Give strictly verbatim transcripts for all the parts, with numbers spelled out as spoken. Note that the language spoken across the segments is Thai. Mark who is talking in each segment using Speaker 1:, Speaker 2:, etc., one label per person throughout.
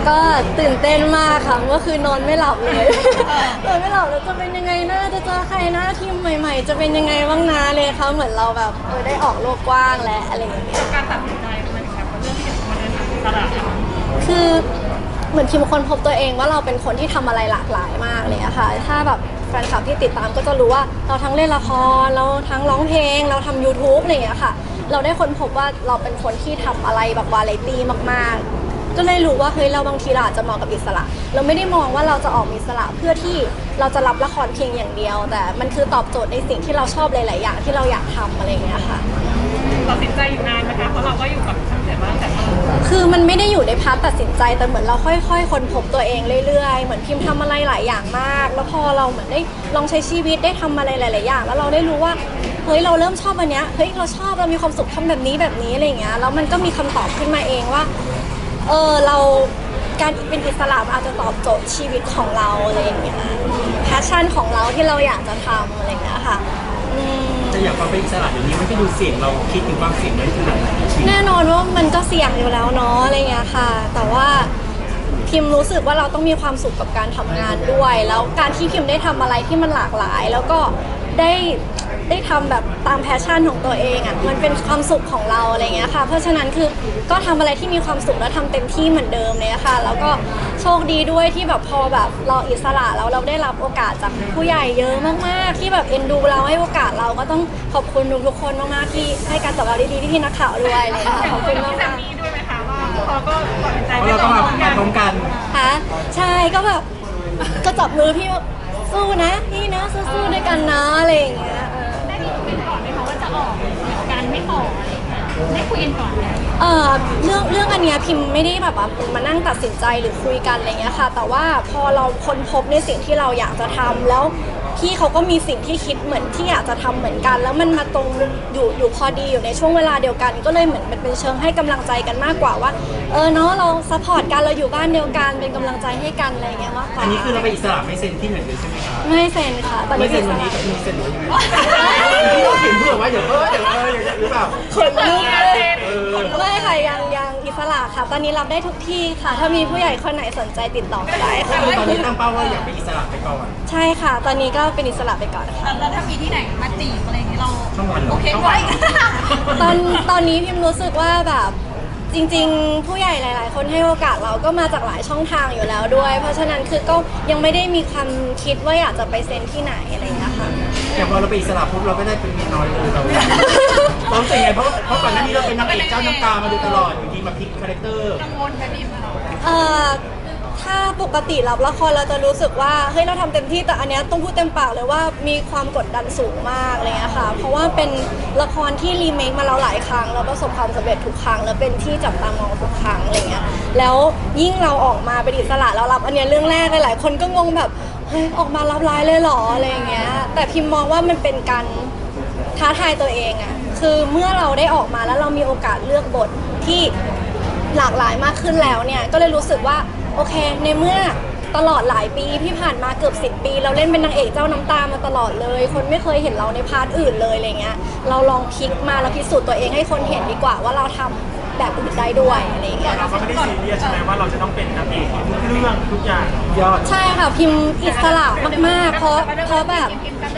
Speaker 1: ก็ตื่นเต้นมากค่ะเมื่อคืนนอนไม่หลับเลยนอนไม่หลับแล้วจะเป็นยังไงนะจะเจอใครหน้าทีมใหม่ๆจะเป็นยังไงบ้างนะเลยค่ะเหมือนเราแบบเออได้ออกโลกกว้างและอะไรอย่างเงี้ย
Speaker 2: การตัดสินใจมันแบบเรื่องที่จะมาเดินทางอิสระ
Speaker 1: คือเหมือนพิมคนพบตัวเองว่าเราเป็นคนที่ทำอะไรหลากหลายมากเลยอะค่ะถ้าแบบแฟนคลับที่ติดตามก็จะรู้ว่าเราทั้งเล่นละครเราทั้งร้องเพลงเราทำ ยูทูบ อะไรอย่างเงี้ยค่ะเราได้ค้นพบว่าเราเป็นคนที่ทำอะไรแบบวาไรตี้มากๆก็เลยรู้ว่าเฮ้ยเราบางทีเราอาจจะมองกับอิสระเราไม่ได้มองว่าเราจะออกอิสระเพื่อที่เราจะรับละครเพียงอย่างเดียวแต่มันคือตอบโจทย์ในสิ่งที่เราชอบหลายๆอย่างที่เราอยากทำอะไรอย่างเงี้ยค่ะ
Speaker 2: ตัดสินใจอยู่นานไหมคะเพราะเราก็อยู่กับช่างเสร็จมาตั้งแต่ต้น
Speaker 1: คือมันไม่ได้อยู่ในพาร์ทตัดสินใจแต่เหมือนเราค่อยๆค้นพบตัวเองเรื่อยๆเหมือนพิมพ์ทำอะไรหลายอย่างมากแล้วพอเราเหมือนได้ลองใช้ชีวิตได้ทำอะไรหลายๆอย่างแล้วเราได้รู้ว่าเฮ้ยเราเริ่มชอบอันเนี้ยเฮ้ยเราชอบเรามีความสุขทำแบบนี้แบบนี้อะไรอย่างเงี้ยแล้วมันก็มีคำตอบขึ้นมาเองว่าเออเราการเป็นอิสระอาจจะตอบโจทย์ชีวิตของเราอะไรอย่างเงี้ยแพชชั่นของเราที่เราอยากจะทำอะไรอย่างเงี้ยค่ะ
Speaker 3: แต่อย่างความเป็นอิสระเดี๋ยวนี้มันก็ดูเสี่ยงเราคิดถึงความเสี่ยงไว้ขนาดไหน
Speaker 1: แน่นอนว่ามันก็เสี่ยงอยู่แล้วเนาะอะไรเงี้ยค่ะแต่ว่าพิมรู้สึกว่าเราต้องมีความสุขกับการทำงานด้วยแล้วการที่พิมได้ทำอะไรที่มันหลากหลายแล้วก็ได้ได้ทำแบบตามแพชชั่นของตัวเองอ่ะมันเป็นความสุขของเราอะไรเงี้ยค่ะเพราะฉะนั้นคือก็ทำอะไรที่มีความสุขแล้วทำเต็มที่เหมือนเดิมเลยค่ะแล้วก็โชคดีด้วยที่แบบพอแบบเราอิสระแล้วเราได้รับโอกาสจากผู้ใหญ่เยอะมากๆที่แบบเอ็นดูเราให้โอกาสเราก็ต้องขอบคุณทุกๆคนมากๆที่ให้การตอบรับดีๆที่พี่นักข่าวด้วยเลยค่ะขอบคุณมากๆ
Speaker 2: มีด้วยไหมคะว่าพอก็ตัดสินใจ
Speaker 3: เราต้องมาพร้อมกัน
Speaker 1: ค่ะใช่ก็แบบก็จับมือพี่ว่าสู้นะพี่นะสู้ๆด้วยกันนะอะไรอย่างเงี้ย
Speaker 2: ได้มีคุยกันก่อนไหมคะว่าจะออกการไม่ออกอะไรอย่างเงี้ยได้คุยกันก่อนไหม
Speaker 1: เออเรื่องเรื่องอันเนี้ยพิมไม่ได้แบบว่ามานั่งตัดสินใจหรือคุยกันอะไรเงี้ยค่ะแต่ว่าพอเราค้นพบในสิ่งที่เราอยากจะทำแล้วพี่เขาก็มีสิ่งที่คิดเหมือนที่อยากจะทำเหมือนกันแล้วมันมาตรงอยู่อยู่พอดีอยู่ในช่วงเวลาเดียวกันก็เลยเหมือนมันเป็นเชิงให้กำลังใจกันมากกว่าว่าเออเนาะเราซัพพอร์ตกันเราอยู่บ้านเดียวกันเป็นกำลังใจให้กันอะไรเงี้ยมากกว่า
Speaker 3: อันนี้คือเราไปอิสระไม่เซ็นที่ไหนเลยใช่ไหมคะ
Speaker 1: ไม่เซ็นค่ะตอนนี้
Speaker 3: ไม่เซ็นวันนี้แต่มีเซ็นหรือยังไงพี่ต้องเขียนเผื่อไว้เดี๋ยวเออเดี๋ยวเออหรือเปล่า
Speaker 1: คนลุกเลยไม่ค่ะยังยังอิสระค่ะตอนนี้รับได้ทุกที่ค่ะถ้ามีผู้ใหญ่คนไหนสนใจติดต่อก็ได้ค่ะ
Speaker 3: ตอนนี้ตั้งเป้าว่าอยากเป็นอิสระไปก่อน
Speaker 1: ใช่ค่ะตอนนี้ก็เป็นอิสระไปก่อนค่ะ
Speaker 2: แล้วถ้ามีที่ไหนมาจีบอะไรอย่างเงี้ยเรา
Speaker 3: โอ
Speaker 2: เคไหม
Speaker 1: ตอนตอนนี้พิมรู้สึกว่าแบบจริงๆผู้ใหญ่หลายๆคนให้โอกาสเราก็มาจากหลายช่องทางอยู่แล้วด้วยเพราะฉะนั้นคือก็ยังไม่ได้มีความคิดว่าอยากจะไปเซ็นที่ไหนอะไรอย่างเงี้ยค่ะ
Speaker 3: อย่างพอเราไปอิสระปุ๊บเราก็ได้เป็นเมียน้อยเลยเราเราเสียไงเพราะเพราะก่อนหน้านี้เราเป็นนางเอกเจ้าน้ำตามาโดยตลอดอยู่ดีมาพลิกคาแรคเตอร์
Speaker 2: กังวลไหมพี่มา
Speaker 1: เอ่อถ้าปกติรับละครเราจะรู้สึกว่าเฮ้ยเราทำเต็มที่แต่อันเนี้ยต้องพูดเต็มปากเลยว่ามีความกดดันสูงมากอะไรเงี้ยค่ะเพราะว่าเป็นละครที่รีเมคมาแล้วหลายครั้งแล้วประสบความสำเร็จทุกครั้งแล้วเป็นที่จับตามองทุกครั้งอะไรเงี้ยแล้วยิ่งเราออกมาเป็นอิสระแล้วรับอันเนี้ยเรื่องแรกหลายๆคนก็งงแบบเฮ้ยออกมารับร้ายเลยเหรออะไรเงี้ยแต่พิมมองว่ามันเป็นการท้าทายตัวเองอะคือเมื่อเราได้ออกมาแล้วเรามีโอกาสเลือกบทที่หลากหลายมากขึ้นแล้วเนี่ยก็เลยรู้สึกว่าโอเคในเมื่อตลอดหลายปีที่ผ่านมาเกือบสิบปีเราเล่นเป็นนางเอกเจ้าน้ำตามาตลอดเลยคนไม่เคยเห็นเราในพาร์ทอื่นเลยอะไรเงี้ยเราลองพลิกมาแล้วพิสูจน์ตัวเองให้คนเห็นดีกว่าว่าเราทำแบบอื่นได้ด้วยอะไรเงี้ย
Speaker 4: เราก็ไม่ได้ซีเรียสใช่ไหมว่าเราจะต้องเป็นนางเอกทุกเรื่องทุกอย่าง
Speaker 3: ยอด
Speaker 1: ใช่ค่ะพิมอิสระมากๆเพราะเพราะแบบ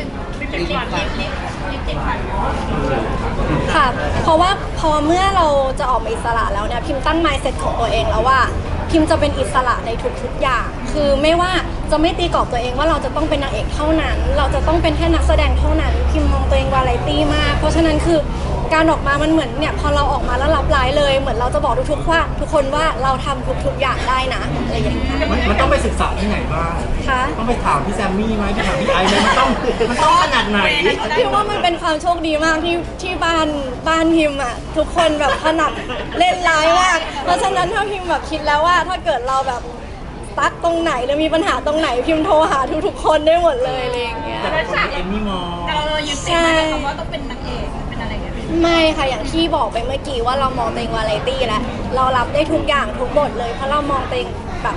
Speaker 1: ค่ะเพราะว่าพอเมื่อเราจะออกมาอิสระแล้วเนี่ยพิมตั้ง mindset ของตัวเองแล้วว่าพิมจะเป็นอิสระในทุกๆอย่างคือไม่ว่าจะไม่ตีกรอบตัวเองว่าเราจะต้องเป็นนางเอกเท่านั้นเราจะต้องเป็นแค่นักแสดงเท่านั้นพิมมองตัวเองวาไรตี้มากเพราะฉะนั้นคือการออกมามันเหมือนเนี่ยพอเราออกมาแล้วรับร้ายเลยเหมือนเราจะบอกทุกๆว่าทุกคนว่าเราทำทุกๆอย่างได้นะอะไรอย่างเงี้ย
Speaker 3: มันต้องไปศึกษาที่ไหนบ้างต้องไปถามพี่แซมมี่ไหมไปถามพี่ไอซ์ไหมมันต้องมันต้องขนาดไหน
Speaker 1: พิมว่ามันเป็นความโชคดีมากที่ที่บ้านบ้านพิมอ่ะทุกคนแบบถนัดเล่นร้ายมากเพราะฉะนั้นถ้าพิมแบบคิดแล้วว่าถ้าเกิดเราแบบตักตรงไหนหรือมีปัญหาตรงไหนพิมโทรหาทุกๆคนได้หมดเลยอะไรอย่างเงี้ย
Speaker 3: แต่คนเอ็มมี่มอง
Speaker 2: แต่เรายึดติดในคำว่าต้องเป็นนางเอกเป็นอะไรเงี้ย
Speaker 1: ไม่ค่ะอย่างที่บอกไปเมื่อกี้ว่าเรามองตัวเองวาไรตี้แล้วเรารับได้ทุกอย่างทุกบทเลยเพราะเรามองตัวเองแบบ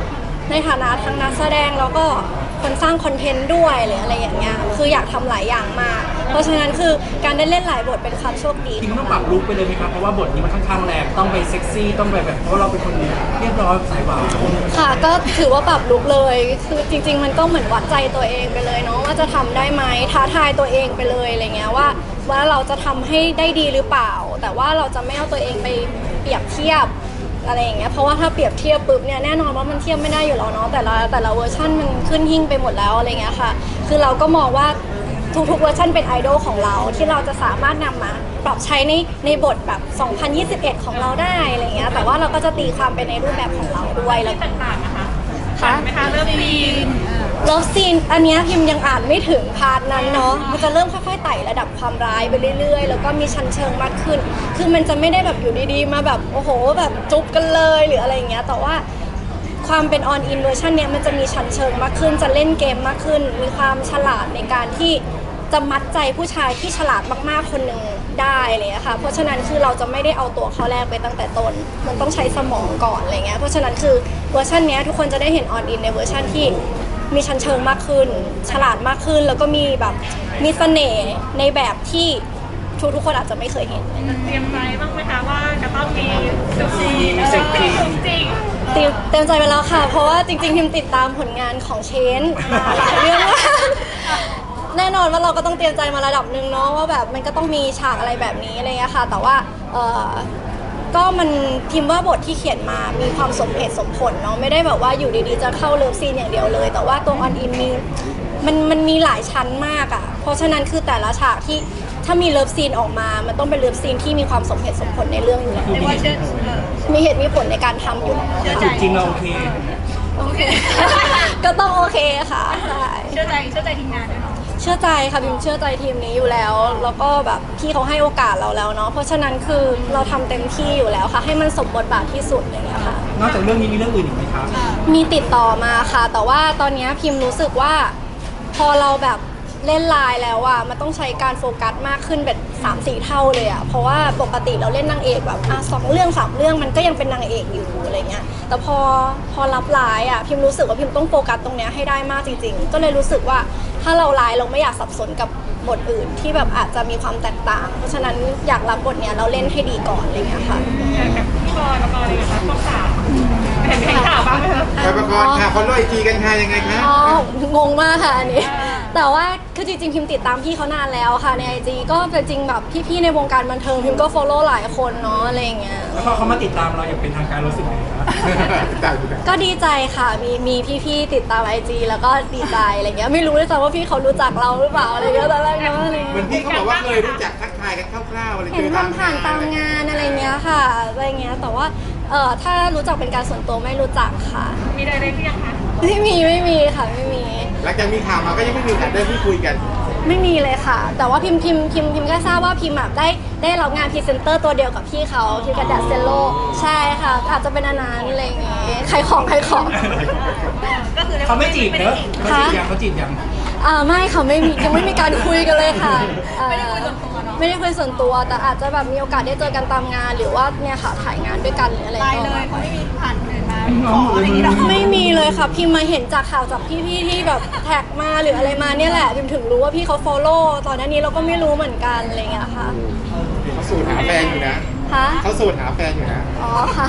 Speaker 1: ในฐานะทั้งนักแสดงแล้วก็คนสร้างคอนเทนต์ด้วยหรืออะไรอย่างเงี้ยคืออยากทำหลายอย่างมากเพราะฉะนั้นคือการได้เล่นหลายบทเป็นความโชคดี
Speaker 3: จริงๆต้องปรับลุคไปเลยไหมครับเพราะว่าบทนี้มันค่อนข้างแรงต้องไปเซ็กซี่ต้องไปแบบเพราะเราเป็นคนเรียบร้อยสายหวาน
Speaker 1: ค่ะก็ถือว่าปรับลุคเลยคือจริง ๆ มันก็เหมือนวัดใจตัวเองไปเลยเนาะว่าจะทำได้ไหมท้าทายตัวเองไปเลยอะไรเงี้ยว่าว่าเราจะทำให้ได้ดีหรือเปล่า แต่ว่าเราจะไม่เอาตัวเองไปเปรียบเทียบอะไรอย่างเงี้ยเพราะว่าถ้าเปรียบเทียบปุ๊บเนี่ยแน่นอนว่ามันเทียบไม่ได้อยู่แล้วเนาะแต่ละแต่ละเวอร์ชันมันขึ้นหิ่งไปหมดแล้วอะไรเงี้ยค่ะคือเราก็มองว่าทุกๆเวอร์ชันเป็นไอดอลของเราที่เราจะสามารถนำมาปรับใช้ในในบทแบบสองพันยี่สิบเอ็ดของเราได้อะไรเงี้ยแต่ว่าเราก็จะตีความไปในรูปแบบของเราด้วยแล้ว
Speaker 2: ต่างๆนะคะ
Speaker 1: ค่ะ
Speaker 2: ไหมคะเริ่มซีน
Speaker 1: เลิฟซีนอันเนี้ยพิมพ์ยังอ่านไม่ถึงพาร์ทนั้นเนาะมันจะเริ่มค่อยๆไต่ระดับความร้ายไปเรื่อยๆแล้วก็มีชั้นเชิงมากขึ้น คือมันจะไม่ได้แบบอยู่ดีๆมาแบบโอ้โหแบบจุ๊บกันเลยหรืออะไรอย่างเงี้ยแต่ว่าความเป็นออนอินเวอร์ชันเนี้ยมันจะมีชั้นเชิงมากขึ้นจะเล่นเกมมากขึ้น มีความฉลาดในการที่จะมัดใจผู้ชายที่ฉลาดมากๆคนหนึ่งได้อะไรเลยค่ะเพราะฉะนั้นคือเราจะไม่ได้เอาตัวเขาแรกไปตั้งแต่ต้นมันต้องใช้สมองก่อนอะไรเงี้ยเพราะฉะนั้นคือเวอร์ชันเนี้ยทุกคนจะได้เห็นออนอินในเวอร์ชันที่มีชั้นเชิงมากขึ้น ฉลาดมากขึ้นแล้วก็มีแบบมีเสน่ห์ในแบบที่ทุกทุกๆคนอาจจะไม่เคยเห็น
Speaker 2: เตรียมใจบ้างไหมคะว่าจะต้องมีเซ็กซี่เซ็กซี่จริง
Speaker 1: เตรียมเต็มใจไปแล้วค่ะ เพราะว่าจริงๆพิมติดตามผลงานของเชนมาหลายเรื่องมากแน่นอนว่าเราก็ต้องเตรียมใจมาระดับหนึ่งเนาะว่าแบบมันก็ต้องมีฉากอะไรแบบนี้อะไรเงี้ยค่ะ แต่ว่าเออก็มันพิมพ์ว่าบทที่เขียนมามีความสมเหตุสมผลเนาะไม่ได้แบบว่าอยู่ดีๆจะเข้าเลิฟซีนอย่างเดียวเลย แต่ว่าตัวออนอินมีมันมันมีหลายชั้นมากอะ่ะเพราะฉะนั้นคือแต่ละฉากที่ถ้ามีเลิฟซีนออกมา มันต้องเป็นเลิฟซีนที่มีความสมเหตุสมผลในเรื่องอยู่แล้ว
Speaker 2: ๆเรียกว่าเชื่อ
Speaker 1: มีเหตุมีผลในการทำอยู่แล้ว
Speaker 2: เชื่อใจ
Speaker 3: จริงๆเราโอเค
Speaker 2: โอเค
Speaker 1: ก็ต้องโอเคค่ะใช่
Speaker 2: เชื่อใจเชื่อใจทีมงานด้วยเนาะ
Speaker 1: เชื่อใจค่ะพิมเชื่อใจทีมนี้อยู่แล้ว แล้วก็แบบพี่เขาให้โอกาสเราแล้วเนาะเพราะฉะนั้นคือเราทำเต็มที่อยู่แล้วค่ะ ให้มันสมบทบาทที่สุดอย่างเงี้ยค่ะ
Speaker 3: นอกจากเรื่องนี้มีเรื่องอื่นอีกไหมครับ
Speaker 1: มีติดต่อมาค่ะ แต่ว่าตอนเนี้ยพิมรู้สึกว่าพอเราแบบเล่นไลน์แล้วอะมันต้องใช้การโฟกัสมากขึ้นแบบสามสี่เท่าเลยอะเพราะว่าปกติเราเล่นนางเอกแบบอ่ะสองเรื่องสามเรื่องมันก็ยังเป็นนางเอกอยู่อะไรเงี้ยแต่พอพอรับไลน์อะพิมรู้สึกว่าพิมต้องโฟกัสตรงเนี้ยให้ได้มากจริงๆ ก็เลยรู้สึกว่าถ้าเราไลน์เราไม่อยากสับสนกับบทอื่นที่แบบอาจจะมีความแตกต่าง เพราะฉะนั้นอยากรับบทเนี้ยเราเล่นให้ดีก่อนอะไรเงี้ยค่ะ
Speaker 2: กับพี่บอยกับปออะไรกันคะต้องสาวเห็นเห็นข่าวบ้างไหมคะ
Speaker 5: ไปประกอบค่ะเขาโรยทีกันค่ะยังไงคะ
Speaker 1: อ๋องงมากค่ะอันนี้ แต่ว่าคือจริงๆพิมติดตามพี่เขานานแล้วค่ะในไอจีก็เป็นจริงแบบพี่ๆในวงการบันเทิงพิมก็ follow หลายคนเนาะอะไรอย่างเงี้ย
Speaker 3: แล้วพอเขามาติดตามเราอย่างเป็นทางการรู้สึกไงครับ
Speaker 5: ตายดูกัน
Speaker 1: ก็ดีใจค่ะมีมีพี่ๆติดตามไอจีแล้วก็ดีใจอะไรเงี้ยไม่รู้ด้วยซ้ำว่าพี่เขารู้จักเราหรือเปล่าอะไรเงี้ยตอนแรกเนาะอะไร
Speaker 5: เหมื
Speaker 1: เงี้
Speaker 5: อย นพี่เขาบอกว่าเคยรู้จักทักทายกันคร่าวๆอะไร
Speaker 1: เห็นทำผ่านตามงานอะไรเงี้ยค่ะอะไรเงี้ยแต่ว่าเออถ้ารู้จักเป็นการส่วนตัวไม่รู้จักค่ะ
Speaker 2: มีอะไรได้หรือยังคะ
Speaker 1: ไม่มีไม่มีค่ะไม่มี
Speaker 5: หลังจากมีข่าวมาก็ยังไม่มีโอกาสได้พูดคุยกัน
Speaker 1: ไม่มีเลยค่ะ แต่ว่าพิมพ์พิมพ์พิมพ์พิมพ์แค่ทราบว่าพิมพ์แบบได้ได้รับงานพรีเซนเตอร์ตัวเดียวกับพี่เขาพี่กระดาษเซลโลใช่ค่ะ อาจจะเป็นอันนั้นอะไรอย่างเงี้ยใครของใครของ
Speaker 2: ก็คือ
Speaker 3: เขาไม่จีบเนอะเขาจีบยังเขาจีบยัง
Speaker 1: อ่าไม่ค่ะไม่มียังไม่มีการคุยกันเลยค่ะเอ่อ
Speaker 2: ไม่ได้คุยส่วนตัวเนาะ
Speaker 1: ไม่ได้คุยส่วนตัว แต่อาจจะแบบมีโอกาสได้เจอกันตามงาน หรือว่าเนี่ยค่ะถ่ายงานด้วยกันหรืออะไร
Speaker 2: ตาย
Speaker 1: ก็
Speaker 2: เลยเขาไม่มีผ่านคนอื่นมาขออะไรอย่างงี้หรอ
Speaker 1: ไม่มีเลยค่ะพิมพ์มาเห็นจากข่าวจากพี่ๆที่แบบแท็กมาหรืออะไรมาเนี่ยแหละพิมถึงรู้ว่าพี่เขา follow ตอนหน้านี้เราก็ไม่รู้เหมือนกันอะไรอย่างเงี้ยค่ะ
Speaker 5: เขาสูตรหาแฟนอยู่นะ
Speaker 1: คะ
Speaker 5: เขาสูตรหาแฟนอยู่นะ
Speaker 1: อ๋อค่ะ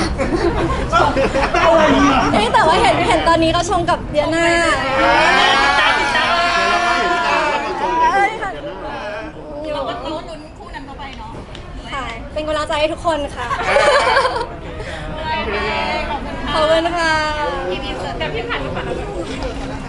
Speaker 1: เอ๊ะแต่ว่าเห็นเห็นตอนนี้เขาชงกับเดียน่าใช่ค่ะ
Speaker 2: เราก็รู้ลุ้นคู่นั้นเข้าไปเนาะ
Speaker 1: ค่ะ เป็นกำลังใจให้ทุกคนค่ะ
Speaker 2: โอเคขอบคุณ
Speaker 1: ขอบคุณค่ะ
Speaker 2: พี่พีเสิร์ตแต่พี่ผ่านพี่ผ่าน